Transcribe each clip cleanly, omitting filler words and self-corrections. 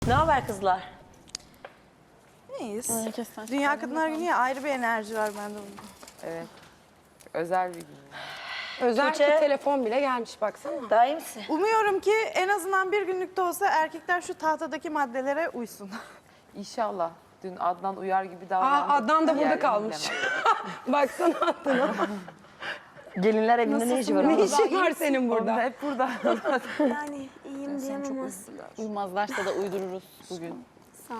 Ne haber kızlar? İyiyiz. Dünya Kadınlar Günü ya, ayrı bir enerji var bende bunda. Evet. Özel bir gün. Özel Tuğçe. ki telefon bile gelmiş baksana. Daha iyi misin? Umuyorum ki en azından bir günlük de olsa erkekler şu tahtadaki maddelere uysun. İnşallah. Dün Adnan uyar gibi davrandı. Adnan da burada Yerini kalmış. bilemem. Baksana Adnan'a. Gelinler evinde ne işi var? Ne işin var senin Onda burada? hep burada. Yani iyiyim diyemem aslında. Uyumazlarsa da uydururuz bugün. Sağ ol.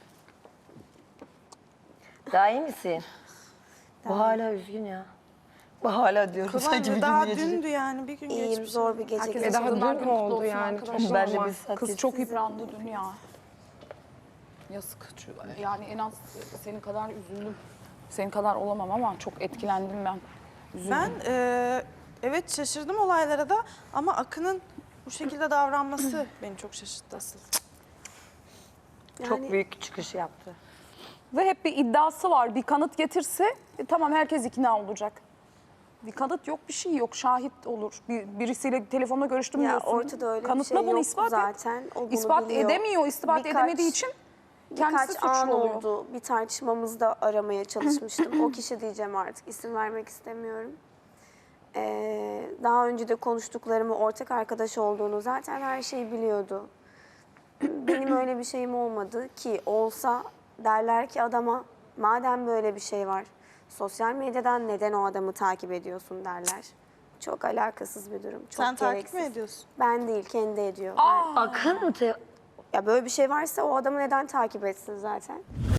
Daha iyi misin? Bu hala üzgün ya. Bu hala diyorum sanki bir Kıvamcı daha gün geçecek. dündü yani, bir gün İyiyim, geçmiş. zor bir gece geçti. Daha Kadınlar dün Günü kutlu oldu olsun yani. arkadaşlar. Ben de normal. bir saat Kız geçti. çok yıprandı dün ya. Yazık. Yani en az senin kadar üzüldüm. Senin kadar olamam ama çok etkilendim ben. Üzüldüm. Ben evet şaşırdım olaylara da ama Akın'ın bu şekilde davranması beni çok şaşırttı asıl. Çok büyük çıkış yaptı. Ve hep bir iddiası var. Bir kanıt getirse tamam herkes ikna olacak. Bir kanıt yok, bir şey yok. Şahit olur. Birisiyle telefonla görüştüm Ya diyorsun. ortada öyle Kanıtla bir şey bunu yok ispat et. zaten. O bunu İspat biliyor. edemiyor. İspat edemediği için kendisi Birkaç an suçlu oluyor. oldu. Bir tartışmamızda aramaya çalışmıştım. O kişi diyeceğim artık. İsim vermek istemiyorum. Daha önce de konuştuklarımı, ortak arkadaş olduğunu zaten her şeyi biliyordu. Benim öyle bir şeyim olmadı ki olsa derler ki adama madem böyle bir şey var sosyal medyadan neden o adamı takip ediyorsun derler. Çok alakasız bir durum. Çok Sen takip gereksiz. mi ediyorsun? Ben değil, kendi ediyor. Akın mı? Ya böyle bir şey varsa o adamı neden takip etsin zaten?